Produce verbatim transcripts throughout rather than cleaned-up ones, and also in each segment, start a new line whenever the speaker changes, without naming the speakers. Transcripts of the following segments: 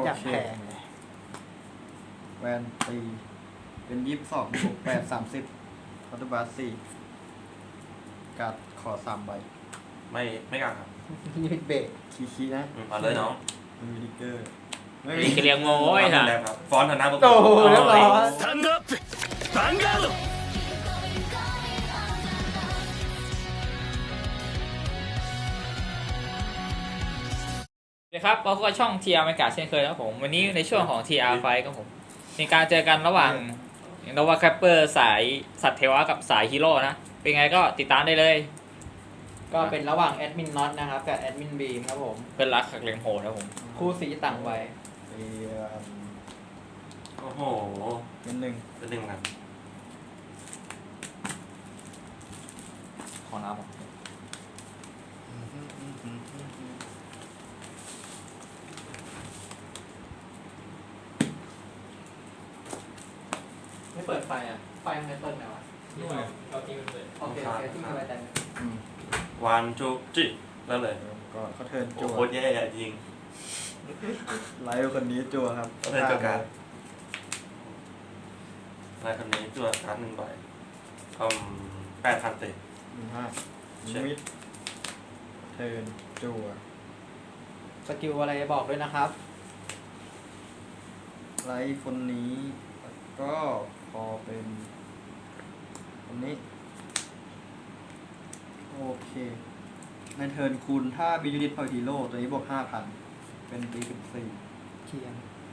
อยากแพงเลยแวนตีเป็นยี่สิบสองบวกแปดสามสิบคอร์ตบาสสี่การ์ดขอสามใบ
ไม่ไม่กล้าครับ
นี่เป็นเบรกคีคีนะ
เอาเลยน้อง
มีดิกเกอร์ไม่
มีกระเลียงโง่ไอ้
ครั
ค่ะ
บครับฟอนต์ฐานะบุคคล
โอ้โหเรียบร้อย
スタンドアップヴァンガード
นะครับเราก็ช่อง ที อาร์ บรรยากาศเช่นเคยครับผมวันนี้ในช่วงของ ที อาร์ Fight ครับผมมีการเจอกันระหว่างโนวาแคปเปอร์สายสัตว์เทวะกับสายฮีโร่นะเป็นไงก็ติดตามได้เลย
ก็เป็นระหว่างแอดมินน็อตนะครับกับแอดมินบีมครับผม
เพื่อนรักขักเลงโหดครับผม
คู่สีต่างวัย
เอียน
โอ้โห
เป็นหนึ่ง
เป็นหนึ่งครับ
ขอน้ำผม
ไม่เปิดไฟอ่ะไฟมันไม่เปิดไหมวะ
เราทิ้งมันเลย
โอเคโอเคที่มีไว้แต่
อืม
วันจูจิแล้วเลย
ก่อนเขาเทิร์น
โอ้
จั่ว
โหแย่จริง
ไลฟ์คนนี้จั่วครับ
เขาเทิร์นจั่วการ์ด อะไรคนนี้ตัวการ์ดหนึ่งใบอืมแปดพันเตะ
หนึ่งห้า
เช็ค
มิดเทิร์นจั่ว
สกิลอะไรบอกด้วยนะครับ
ไลฟ์คนนี้แล้วก็พอเป็นคนนี้โอเคในเทิร์นคูณถ้าบิยูนิตพอยฮีโร่ตัวนี้บวกห้าพันเป็นตีสิบสี่
เคียง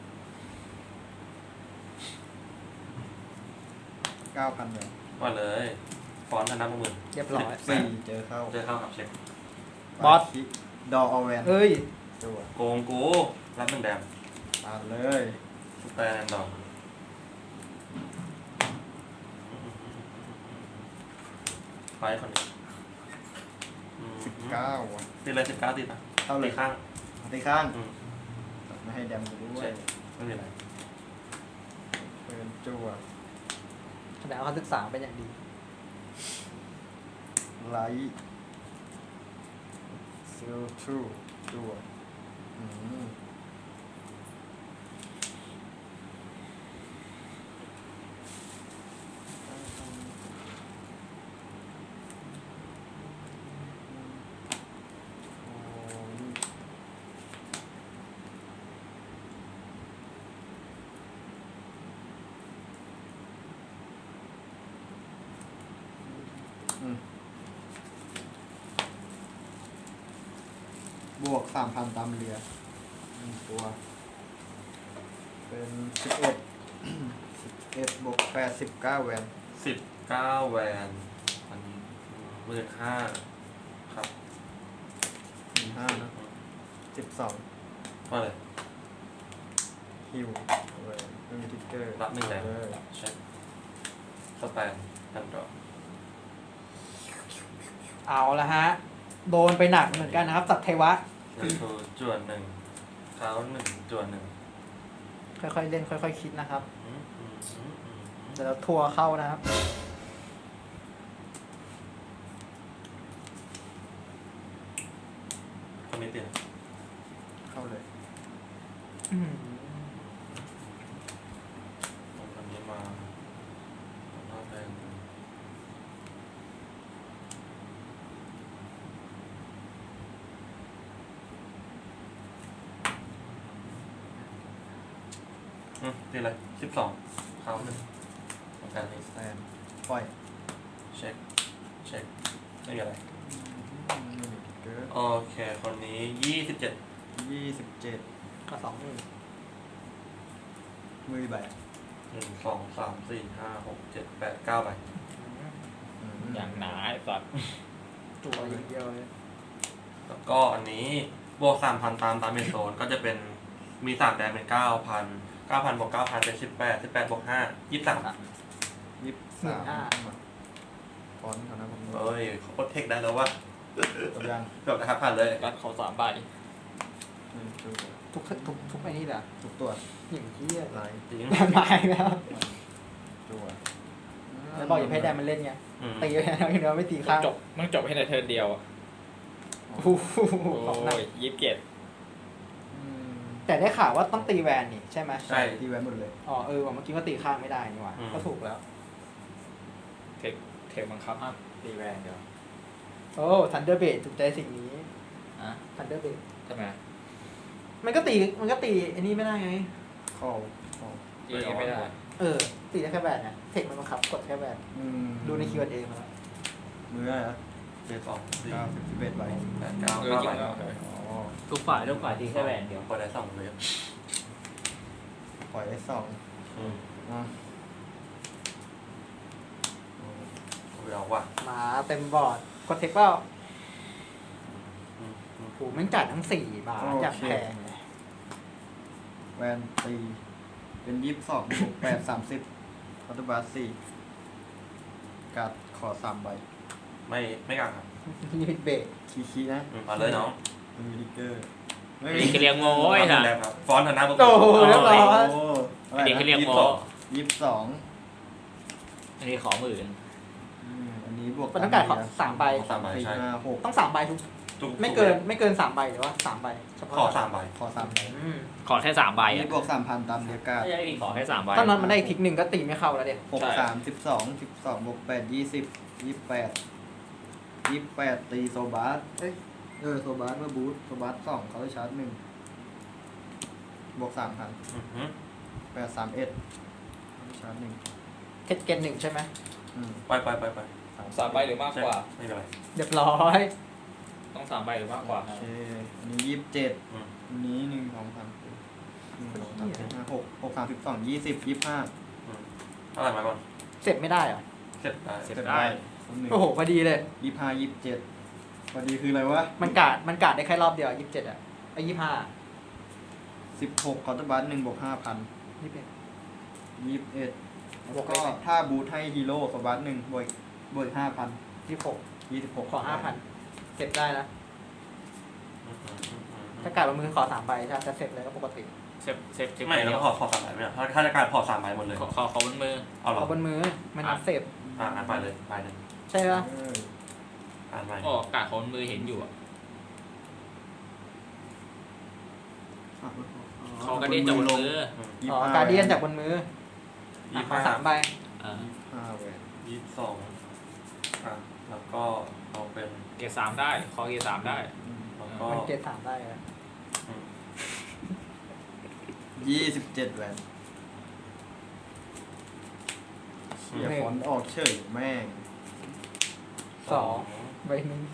เก้าพันเลย
ว่าเลย ฟอนต์ฐานะบุคคล
เรียบร้อย
สี่เจอเข้า
เจอเข้ากับเช็ค
บอส
ดออแวน
เอ้ย
จั่ว
โกงกูรับหนึ่งแดม
ตามเลย
สแตนดอกไฟคนนี้อืม
สิบเก้าอ่ะ
ตีเลยสิบเก้าตีป่ะ
เท่าเลย
ตีข้าง
ตีข้าง
อืม
ไม่ให้แดมกูด้ว
ใช่
ย
ไม่มีอะไร
เทิร์นจั่ว
แสดงว่าเขาศึกษาเป็นอย่างดี
ไลท์ซิลทรูจั่วอืมอืมบวกสามพันตามเรือหนึ่งตัว เป็นสิบเอ็ด สิบเอ็ดบวกแปดสิบเก้าแวน
สิบเก้าแวนอันนี้หมื่นห้าครับ
หนึ่งห้านะสิบสอง
ว่าเลย
ฮิวแวนไม่มีทิกเกอร์
รับหนึ่งแดม
เลย
เช็คสแตนดันดอก
เอาละฮะ โดนไปหนักเหมือนกันนะครับสัตว์เทวะ
แล้วโชว์จวนหนึ่งเท้าหนึ่งจวนหนึ่ง
ค่อยๆเล่นค่อยๆคิดนะครับ
อืมอืมอืมอืม
เดี๋ยวเราทัวร์เข้านะครับ
คนนี้เตียน
เข้าเลย
อืม
คนนี้มาหน้าเป็นอืมตีอะไรสิบสองเท้าหนึ่งเหมือนกันนี่
แตนปล่อย
เช็คเช็คไม่มีอะไร
ไม่มีทิกเกอร์
โอเคคนนี้ยี่สิบเจ็ด
ยี่สิบเจ็ด
ก็สองหมื่น
มือใบ
หนึ่งสองสามสี่ห้าหกเจ็ดแปดเก้าใบ
อืม
อย่างหนาไอ้สัตว์
จั่วอย่างเดียวเลย
แล้วก็อันนี้บวกสามพันตามตามเมนโซนก็จะเป็นมีสามแดนเป็นเก้าพันเก้าพันบวกเก้าพันเป็นสิบแปดสิบแปดบวกห้ายี่สิบสาม
ยี่สิบสามฟอนต์เขานะผม
เอ้ยเขาโคตรเทคได้แล้วว่า
ตัวยัง
จบนะครับผ่านเลย
รัดเขาสามใบ
หนึ่งจั่ว
ทุกทุกทุกไอ้นี่แหละ
ทุกตัว
อย่างที่
ไลท์
จริง
แดมมาอีกแล้ว
จั่ว
แล้วบอกอย่าให้แดมมันเล่นไง
อืม
ตีไปแล้วเดี๋ยวไม่ตี
มัน
ข้าง
จบมันจบให้ในเทิร์นเดียวอะ
โอ้โห
โอ้
ของหนัก
ยยี่สิบเจ็ด
อืม
แต่ได้ข่าวว่าต้องตีแวนนี่ใช่ไหม
ใช่
ที่แวนหมดเลย
อ๋อเออว่าเมื่อกี้ว่าตีข้างไม่ได้นี่หว่า
อืม
ก็ถูกแล้ว
เทคเทคบังคับห้ามตีแวนเดียว
โอ้ทันเดอร์เบดถูกใจสิ่งนี้
อ่ะ
ทันเดอร์เบด
ทำไม
มันก็ตีมันก็ตีอันนี้ไม่ได้ไง
เข้าเข้า
ตีไม่ได้
เออตีได้แค่แวนนะเทคมันบังคับกดแค่แวน
อืม
ดูใน คิว แอนด์ เอ มาแล้ว
มืออะไรนะ
เจ็ดสองสี่
เก้าสิบสิบเอ็ดใบ
แปดเก้า
เออ
เก้า
จริ
ใบ
งแล้ว
อ๋อ
ทุกฝ่ายทุกฝ่ายตีแค่แวนเดียว
พอได้สองเลย
ปล่อยได้สอง
อืม
อ่ะ
เอาเอาว่ะ
มาเต็มบอร์ดกดเทคเปล่า
อืมอืม
โอ้แม่งจ่ายทั้งสี่บาทอย่างแพงเลย
แวนตีเป็นยี่สิบสองบวกแปดสามสิบคอร์ดบาสสี่การ์ดขอสามใบ
ไม่ไม่กลางครับ
ลิมิตเบรก
คีคีนะ
อืมเอาเลยน้อง
ไม่มีดิกเกอร์
นี่คือเรียงโง่ไอ้
ทำ
ห่า
แล้วครับ ฟอนต์ฐานะบุคค
โอ้
ล
โหเรียบร้อย
โอ้อะไร
นี่คือเรียง
นะ
โง่
ยี่สิบสอง
อันนี้ขอหมื่น
อืมอันนี้บวก
มันต้องการขอสามใบ
ขอสามใบ
สี่
ใช่
ห้าหก
ต้องสามใบทุก
ทุก
ไม่เกินไม่เกินสามใบหรือว่าสามใบเฉพาะ
ขอสามใบ
ขอสามใบ
อืม
ขอแค่สามใบ
อัน
อ่ะ
นี้บวกสามพันตามเดียการ์ด
ไม่ใช่ขอแค่สามใบ
ตอนนั้นมันได้อีกทิกหนึ่งก็ตีไม่เข้าแล้วเด็ก
หกสามสิบสองสิบสองบวกแปดยี่สิบยี่สิบแปดยี่สิบแปดตีโซบาสเอ้ยเออโซบาสเมื่อบูทโซบาสสองเขาได้ชาร์จหนึ่งบวกสามพัน
อือหือ
แปดสามเอ็ดชาร์จหนึ่ง
เทคเกนหนึ่งใช่ไหม
อืม
ไปไปไปไป
สามใบหรือมากกว่า
ใช่ไม่เป็นไร
เรียบร้อย
ต้องสามใบหรือมากกว่า
โอเคอันนี้ยี่สิบเจ็ด
อืม
อันนี้หนึ่งสองสามสี่หนึ่งสองสามสี่ห้าหกหกสามสิบสองยี่สิบยี่สิบห้า
อืมเท่าไหร่มาก่อน
เสร็จไม่ได้เหรอ
เสร็จได้
เสร็จได้
คนหนึ่ง
โอ้โหพอดีเลย
ยี่สิบห้ายี่สิบเจ็ดพอดีคืออะไรวะ
มันกาดมันกาดได้แค่รอบเดียวยี่สิบเจ็ดอ่ะไอ้ยี่ห้า
สิบหกคอร์ตบัสหนึ่งบวกห้าพัน
ยี่สิบเอ็ด
ยี่สิบเอ็ด
บ
แล้ว ว
ก
ก็
ได้ไหม
ถ้าบูทให้ฮีโร่คอร์ตบัสหนึ่งบวกบวกห้าพัน
ยี่สิบหก
ยี่สิบหก
ขอห้าพันเก็บได้นะ
อืมอืมอืมอืม
ถ้ากาดลงมือขอสามใบใช่ไหมจะเสร็จเลยก็ปกติ
เซฟเซฟเซฟ
ไม่
เดี
แล้
ยว ว
ขอขอสามใบไหมอะถ้าถ้าจะการพอสามใบหมดเลย
ขอขอขอบนมือ
เอาเหรอ
เอาบนมือมันนับเสร็จ
อ่างั้นไปเลยไปหนึ่ง
ใช่ปะ
เออ
อ่านไป
โอ้กาดขอบนมือเห็นอยู่อะเขากระเด็นจากบนมือ
อืม
ยี่
อ๋
สิ
อบ
ห้า
การเดียนจากบนมือ
ยี่
อ่ะ
สิบ
ขอ
ห้า
สามใบ
อ่า
ห้าแหวน
ยี่สิบสองอ่ะแล้วก็เอาเป็น
เกรดสามได้ขอเกรดสามได้
อืม
แล้วก็
มันเกรดสามได้นะ
อืม
ยี่สิบเจ็ดแหวนเสียฟอนต์ออกเฉยแม่ง
สองใบหนึ่ง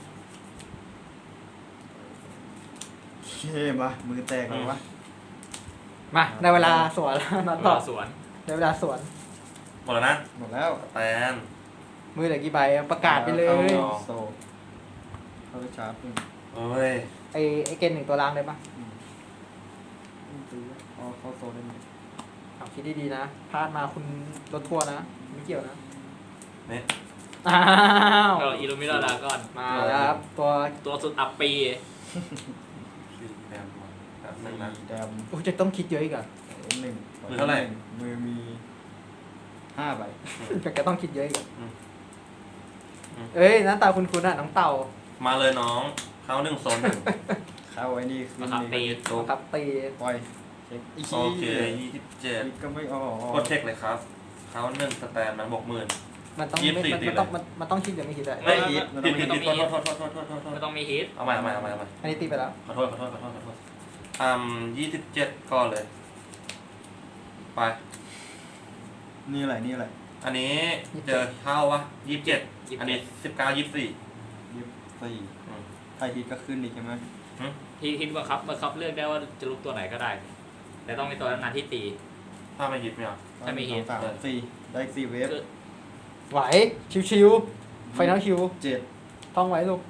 โอเคมามือแตกแล้ววะ
มาได้เวลาสวนแล้วนัดต่อ
สวน
ได้เวลาสวน
หมดแล้วนะ
หมดแล้ว
แตน
มือเหลือกี่ใบอะประกาศไปเล
ข้าย โซเข้าไปชาร์จหนึ่ง
เอ้ย
ไอไอเกณฑ์หนึ่งตัวล่างได้ปะ
อืมอืมตีเอาเข้าโซได้ไหม
เอาคิดดีๆนะพลาดมาคุณรถทัวร์นะไม่เกี่ยวนะ
เนี่ย
อ้าว
เราอิลูมินาดาก่อน
มาแล้วครับตัว
ตัวสุดอัปปี
สี่แดมมาแบบหนึ่งนะ
สี่แดม
โอ้ยจะต้องคิดเยอะอีกเหรอ่ะ
หนึ่ง
มือเท่าไหร่
มือมีห้าใบ
จะก็ต้องคิดเยอะอีกเหรอ
อืมอืม
เอ้ยหน้าตาคุณคุณอ่ะน้องเต่า
มาเลยน้อง เข้าหนึ่งโซนหนึ่ง
เข้าไว้นี่ขึ้น
นะครับตี
นี่
ตัว
ครับตี
ปล่อยเช็คอีก
โอเคยี่สิบเจ็ด
อีกก็ไม่ออก
กดเช็คเลยครับ เขาหนึ่งสแตนมันบวกหมื่น
มันต้อง
ยี่สิบ
ไม่
สี่
มัน
ตี
มันต้อง
เลย
มันมันต้องคิดหรือไม่คิดอะ
ไม่ผิดผิดผิดผิดโทษโทษโทษโทษโทษโทษ
ไม่ต้องมีฮิต
เอาใหม่เอาใหม่เอาใหม่เอาใหม่
อันนี้ตีไปแล้ว
ขอโทษขอโทษขอโทษขอโทษอืมยี่สิบเจ็ดก่อนเลย ไป
นี่อะไรนี่อะไร
อันนี้เจอเข้า วะยี่สิบเจ็ดอันนี้สิบเก้ายี่สิบสี่
ยี่สิบสี่
อืม
ถ้าฮิตก็ขึ้นอีกใช่ไหม
ฮิตฮิตบังคับบังคับเลือกได้ว่าจะลุกตัวไหนก็ได้ แต่ต้องเป็นตัวนั้นที่ตี
ถ้าไม่ยิบไม่เอา
ถ้ามีฮิต
สองสามสี่ได้อีกสี่เวฟ
คือ
ไหวชิวๆไฟนอลคิว
เจ็ด
ท่องไว้ลูก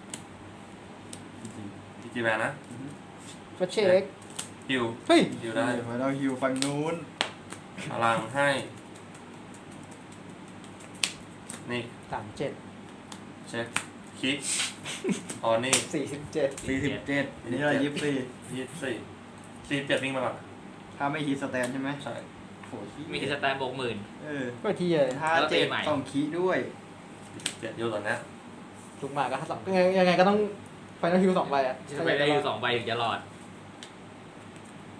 สี่
จีจีแบนนะ
ก็เช็ค
ฮิว
เฮ้ย
ฮิวได้
มาเราฮิวฝั่งนู้น
พลังให้ นี่
สามเจ็ด
เช็คคลิกอ๋อนี่
สี่สิบเจ็ด
สี่สิบเจ็ดอันนี้อะไรยี่สิบสี่
ยี่สิบสี่สี่สิบเจ็ดวิ่งมาก่อน
ถ้าไม่ฮิตสแตนใช่ไหม
ใช่
โหเหี้ย
มีฮิตสแตนบวกหมื่น
เออ
ก็ที่เลย
ถ้า
แล้วตี
เจ็ด
ใหม่
ต้องคีด้วย
เจ็ดอยู่ตอนเนี้ย
ลุกมาก็สองยังไงก็ต้องไฟนอลคิวสองใบอ่ะ
จะไปได้อยู่สองใบถึงจะรอด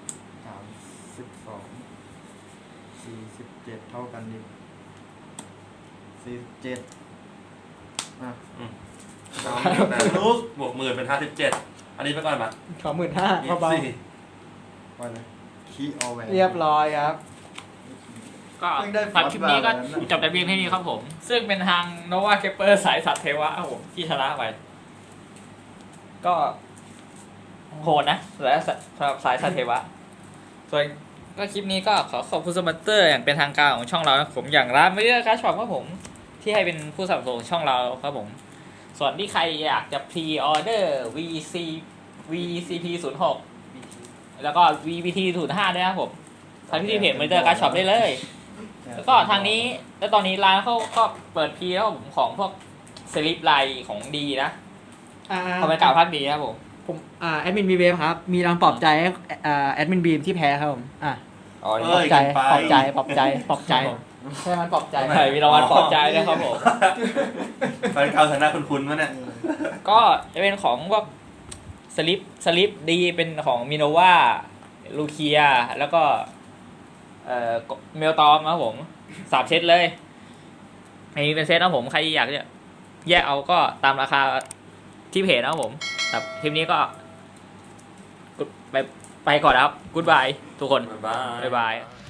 สิบสองสี่สิบเจ็ดเท่ากันดิสี่สิบเจ็ดอ่ะ
อืมสามหมื่นแปดลูกบวกหมื่นเป็นห้าสิบเจ็ดอันนี้ไปก่อนมา
ขอหมื่นห้า
ยี่
เบา
สิบสี่
ว่าเลยคีออแวน
ๆเรียบร้อยครับ
ก็
เพิ่งได้
สำหรับคลิปนี้ก็
ฟอสแบบนั้นน่ะ
จบแต่เพียงเท่านี้ครับผม ซึ่งเป็นทางโนวาเคปเปอร์สายสัตว์เทวะครับผมที่ชนะไป ก็โหดนะและสำหรับสายสัตว์เทวะ ส่วนก็คลิปนี้ก็ขอขอบคุณสปอนเซอร์อย่างเป็นทางการของช่องเรานะครับผมอย่างร้านไม่ได้การช็อปครับผม ที่ให้เป็นผู้สนับสนุนช่องเราครับผม ส่วนที่ใครอยากจะพรีออเดอร์ วี ซี วี ซี พี ศูนย์หก แล้วก็ วี บี ที ศูนย์ห้าด้วยนะครับผมทางที่เพจมอนิเตอร์การช็อปได้เลย แล้วก็ทางนี้แล้วตอนนี้ร้านเขาก็เปิดพรีแล้วผมของพวกสลิปไลน์ของดีนะ
อ่า
เอาไปกล่าวพักดีนะครับผม
ผมอ่าแอดมินบีเวฟครับ มีรางปลอบใจให้อ่าแอดมินบีมที่แพ้ครับผมอ่ะ
อ๋อ
เอ้
ปลอย บใจปลอบใจปลอบใจปลอบใจใช่มันปลอบใจ
ใช่มีรางวัลปลอบใจด้วยครับผม
แฟนเก่าชนะคุณคุณมั้ยเนี่ย
ก็จะเป็นของพวกสลิปสลิปดีเป็นของมิโนวาลูเคียแล้วก็เอ่อเมลตอมนะครับผมสามเซตเลยอันนี้เป็นเซตนะครับผมใครอยากจะแยกเอาก็ตามราคาที่เพจนะครับผมแต่คลิปนี้ก็ไปไปก่อนนะครับกู๊ดบายทุกคน
บ๊ายบาย
บ๊ายบาย